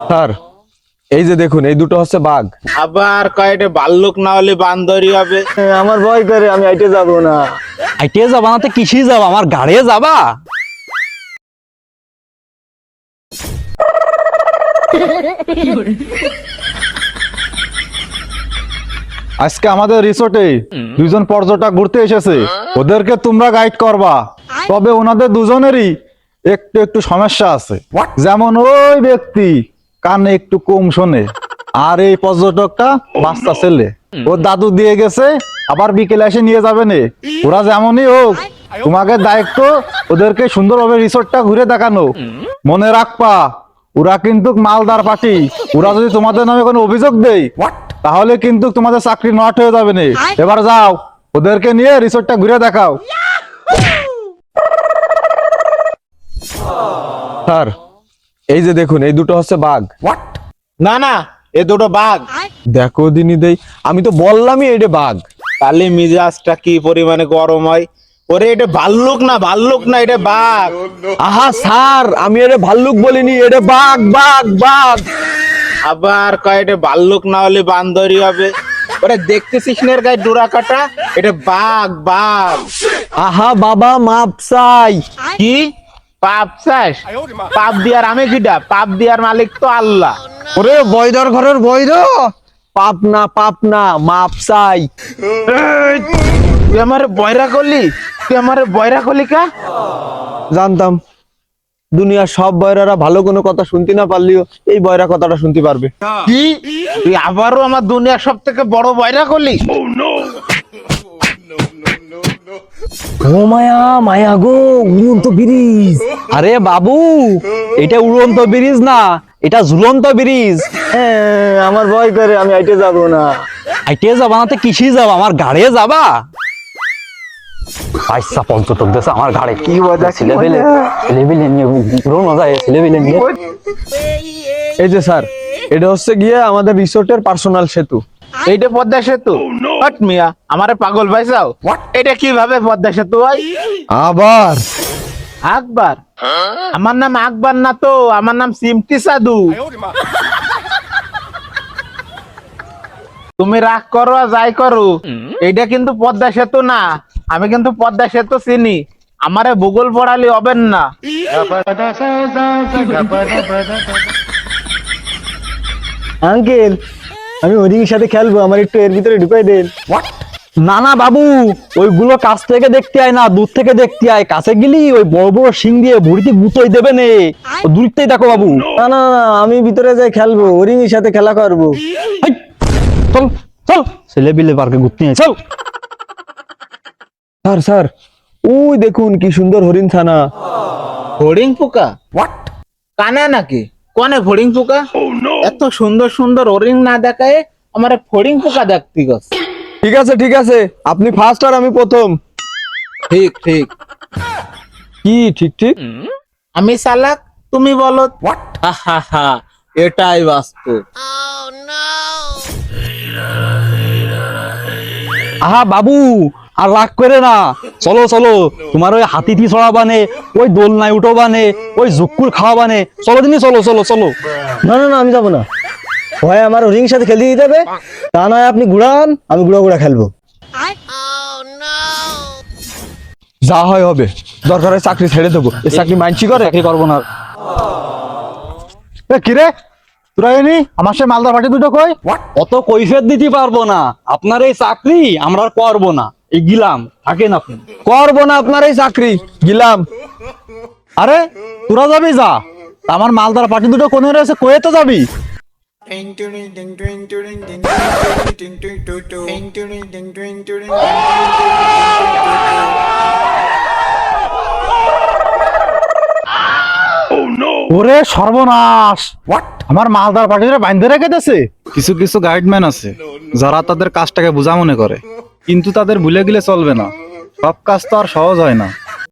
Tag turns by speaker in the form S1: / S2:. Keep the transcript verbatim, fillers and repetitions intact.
S1: Sir, এই যে দেখুন, এই দুটো হচ্ছে বাঘ।
S2: আবার কয়টা ভাল্লুক না হলে বান্দরই হবে।
S3: আমার ভয় করে, আমি আইটে যাব না।
S4: আইটে যাবা না তো কিসে যাবা? আমার গাড়ি যাবা?
S5: আজকে আমাদের রিসোর্টে দুইজন পর্যটক ঘুরতে এসেছে, ওদেরকে তোমরা গাইড করবা। তবে ওনাদের দুজনেরই একটু একটু সমস্যা আছে। যেমন ওই ব্যক্তি কানে একটু কম শোনে, আর এই পর্যটকটা বাচ্চা ছেলে, ওর দাদু দিয়ে গেছে, আবার বিকেলে এসে নিয়ে যাবে নে। ওরা যেমনই হোক, তোমাকে দায়িত্ব ওদেরকে সুন্দরভাবে রিসোর্টটা ঘুরে দেখানো। মনে রাখবা, ওরা কিন্তু মালদার পার্টি। ওরা যদি তোমাদের নামে কোনো অভিযোগ দেয় তাহলে কিন্তু তোমাদের চাকরি নট হয়ে যাবে না। এবার যাও, ওদেরকে নিয়ে রিসোর্টটা ঘুরে দেখাও।
S1: স্যার, এই যে দেখুন, এই দুটো হচ্ছে বাঘ।
S2: না না, এ দুটো বাঘ।
S1: দেখো দিনি দেই, আমি তো বললামই এটা বাঘ।
S2: তাহলে মিজাজটা কি পরিমাণে গরম হয়। ওরে এটা ভাল্লুক না, ভাল্লুক না, এটা বাঘ।
S1: আহা স্যার, আমি এটা ভাল্লুক বলিনি, এটা বাঘ বাঘ বাঘ।
S2: আবার কয়টা ভাল্লুক না হলে বান্দরই হবে। ওরে দেখতেছিস নের গায়ে ডোরা কাটা, এটা বাঘ বাঘ।
S1: আহা বাবা, মাপ চাই।
S2: কি পাপ চাস? পাপ দিয়ার আমি কিডা? পাপ দিয়ার মালিক তো আল্লাহ।
S1: ওরে বৈদর ঘরের বৈদ, পাপ না পাপ না, মাপ চাই।
S2: তুই আমারে বয়রা করলি, তুই আমারে বয়রা করলি কা?
S1: জানতাম দুনিয়ার সব বয়রারা ভালো কোনো কথা শুনতে না পারলেও এই বয়রা কথাটা শুনতে পারবে।
S2: কি তুই আবারও আমার দুনিয়ার সব থেকে বড় বয়রা করলি?
S4: ও মায়া, মায়া গো, উড়ন্ত ব্রিজ। আরে বাবু, এটা উড়ন্ত ব্রিজ না, এটা ঝুলন্ত ব্রিজ।
S3: হ্যাঁ, আমার ভয় করে, আমি আইটে যাব না।
S4: আইটে যাবা না তো কিসে যাবা? আমার গাড়ি যাবা? আইসা পর্যটক দেশে আমার গাড়ি কি মজা, ছেলে পেলে ছেলে পেলে নিয়ে পুরো মজা, ছেলে পেলে নিয়ে।
S1: এই যে স্যার, এটা হচ্ছে গিয়ে আমাদের রিসোর্টের পার্সোনাল সেতু।
S2: এইটা পদ্মা সেতু? হট মিয়া, আমারে পাগল পাইছাও? এটা কিভাবে পদ্মা সেতু হয়?
S1: আবার
S2: আকবার? আমার নাম আকবার না তো, আমার নাম সিমটি সাধু। তুমি রাগ করো আর যাই করো, এইটা কিন্তু পদ্মা সেতু না। আমি কিন্তু পদ্মা সেতু চিনি, আমারে ভূগোল পড়ালি হবেন না।
S3: আঙ্কেল, আমি ওদিকের সাথে খেলবো, আমার একটু এর ভিতরে ঢুকাই দেন।
S4: না না বাবু, ওইগুলো কাছ থেকে দেখতে আয় না, দূর থেকে দেখতে আয়। কাছে গেলি ওই বড় বড় শিং দিয়ে ভুড়িতে গুতোই দেবে নে। দূরতেই দেখো বাবু।
S3: না না না, আমি ভিতরে যাই খেলবো, ওরিংয়ের সাথে খেলা করবো।
S4: হাই, চল চল, ছেলে বিলে পার্কে ঘুরতে নিয়ে চল।
S1: স্যার স্যার, ওই দেখুন কি সুন্দর হরিণ ছানা।
S2: ফড়িং পোকা? কানা নাকি? কোনে ফড়িং পোকা? এত সুন্দর সুন্দর ওরিং না দেখায় আমারে ফড়িং পোকা দেখতে গেছে।
S1: ঠিক আছে ঠিক আছে, আপনি ফার্স্ট আর আমি প্রথম।
S2: ঠিক ঠিক।
S1: কি ঠিক ঠিক?
S2: আমি চালাক, তুমি বলো। হা হা হা, এটাই বাস্তব।
S4: আহা বাবু, আর রাগ করে না, চলো চলো। তোমার ওই হাতিটি ছড়াবানে, ওই দোলনায় উঠোবানে, ওই জুকুর খাওয়াবানে, চলো দিনই, চলো চলো চলো।
S3: না না না, আমি যাবো না। হয় আমার ওরিংয়ের সাথে খেলতে দিতে হবে, তা নয় আপনি ঘুরান, আমি ঘুরা ঘুরা খেলবো।
S1: যা হয় হবে, দরকার হয় চাকরি ছেড়ে দেবো। এই চাকরি মাইনছি করে।
S4: চাকরি করবো না।
S5: এ কিরে, তোরা এনি আমার সে মালদার পার্টি দুটো কই?
S4: অত কৈফিয়ত দিতে পারবো না। আপনার এই চাকরি আমরা আর করবো না, এই গিলাম, থাকেন আপনি।
S1: করবো না আপনার এই চাকরি, গিলাম।
S5: আরে তোরা যাবি যা, তা আমার মালদার পার্টি দুটো কোনে রয়েছে, কয়ে তো যাবি? ওরে সর্বনাশ, আমার মালদার পার্টিটা বাইন্ধে রেখে দিয়েছে। কিছু কিছু গাইডম্যান আছে যারা তাদের কাজটাকে বোঝা মনে করে, কিন্তু তাদের ভুলে গেলে চলবে না। সব কাজ তো আর সহজ হয় না।